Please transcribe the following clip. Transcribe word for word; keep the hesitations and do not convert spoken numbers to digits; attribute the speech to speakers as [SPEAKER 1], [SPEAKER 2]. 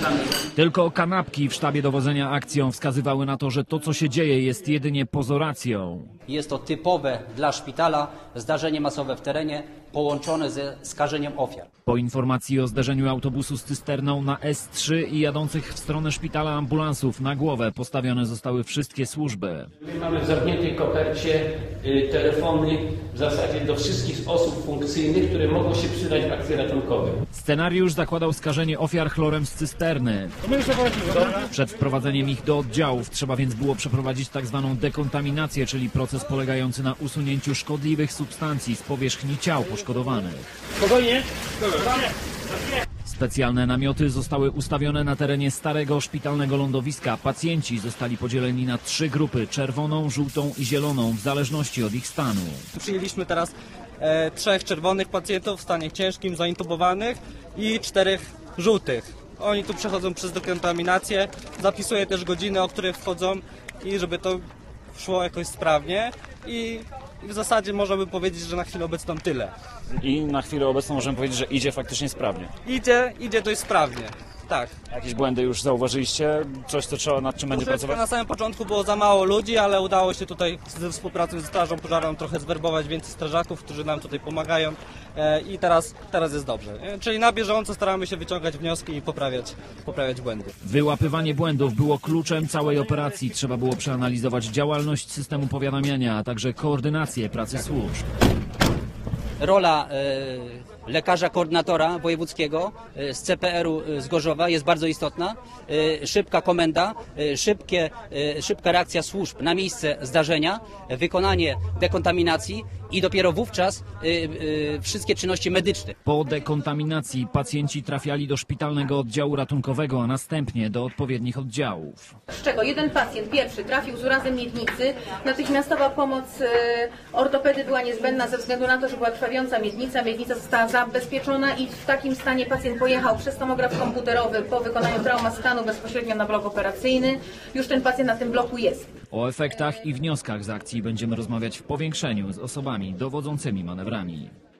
[SPEAKER 1] Tylko kanapki w sztabie dowodzenia akcją wskazywały na to, że to, co się dzieje, jest jedynie pozoracją.
[SPEAKER 2] Jest to typowe dla szpitala zdarzenie masowe w terenie połączone ze skażeniem ofiar.
[SPEAKER 1] Po informacji o zderzeniu autobusu z cysterną na S trzy i jadących w stronę szpitala ambulansów na głowę postawione zostały wszystkie służby.
[SPEAKER 3] My mamy w zamkniętej kopercie y, telefony w zasadzie do wszystkich osób funkcyjnych, które mogą się przydać w akcji ratunkowej.
[SPEAKER 1] Scenariusz zakładał skażenie ofiar chlorem z cysterny. Przed wprowadzeniem ich do oddziałów trzeba więc było przeprowadzić tak zwaną dekontaminację, czyli proces polegający na usunięciu szkodliwych substancji z powierzchni ciał poszkodowanych.
[SPEAKER 3] Spokojnie.
[SPEAKER 1] Specjalne namioty zostały ustawione na terenie starego szpitalnego lądowiska. Pacjenci zostali podzieleni na trzy grupy: czerwoną, żółtą i zieloną, w zależności od ich stanu.
[SPEAKER 4] Przyjęliśmy teraz e, trzech czerwonych pacjentów w stanie ciężkim, zaintubowanych i czterech żółtych. Oni tu przechodzą przez dekontaminację, zapisuję też godziny, o których wchodzą i żeby to szło jakoś sprawnie i w zasadzie można by powiedzieć, że na chwilę obecną tyle.
[SPEAKER 1] I na chwilę obecną możemy powiedzieć, że idzie faktycznie sprawnie.
[SPEAKER 4] Idzie, idzie dość sprawnie, tak.
[SPEAKER 1] Jakieś błędy już zauważyliście? Coś, co trzeba, nad czym będzie
[SPEAKER 4] Troszeczkę
[SPEAKER 1] pracować?
[SPEAKER 4] na samym początku było za mało ludzi, ale udało się tutaj ze współpracą ze Strażą Pożarną trochę zwerbować więcej strażaków, którzy nam tutaj pomagają e, i teraz, teraz jest dobrze. E, czyli na bieżąco staramy się wyciągać wnioski i poprawiać, poprawiać błędy.
[SPEAKER 1] Wyłapywanie błędów było kluczem całej operacji. Trzeba było przeanalizować działalność systemu powiadamiania, a także koordynację pracy służb.
[SPEAKER 2] Rola e, lekarza koordynatora wojewódzkiego e, z C P R u z Gorzowa jest bardzo istotna. E, szybka komenda, e, szybkie, e, szybka reakcja służb na miejsce zdarzenia, e, wykonanie dekontaminacji i dopiero wówczas e, e, wszystkie czynności medyczne.
[SPEAKER 1] Po dekontaminacji pacjenci trafiali do szpitalnego oddziału ratunkowego, a następnie do odpowiednich oddziałów.
[SPEAKER 5] Z czego jeden pacjent pierwszy trafił z urazem miednicy. Natychmiastowa pomoc e, ortopedy była niezbędna ze względu na to, że była krwawiąca miednica. Miednica została zabezpieczona i w takim stanie pacjent pojechał przez tomograf komputerowy po wykonaniu traumastanu bezpośrednio na blok operacyjny. Już ten pacjent na tym bloku jest.
[SPEAKER 1] O efektach i wnioskach z akcji będziemy rozmawiać w powiększeniu z osobami dowodzącymi manewrami.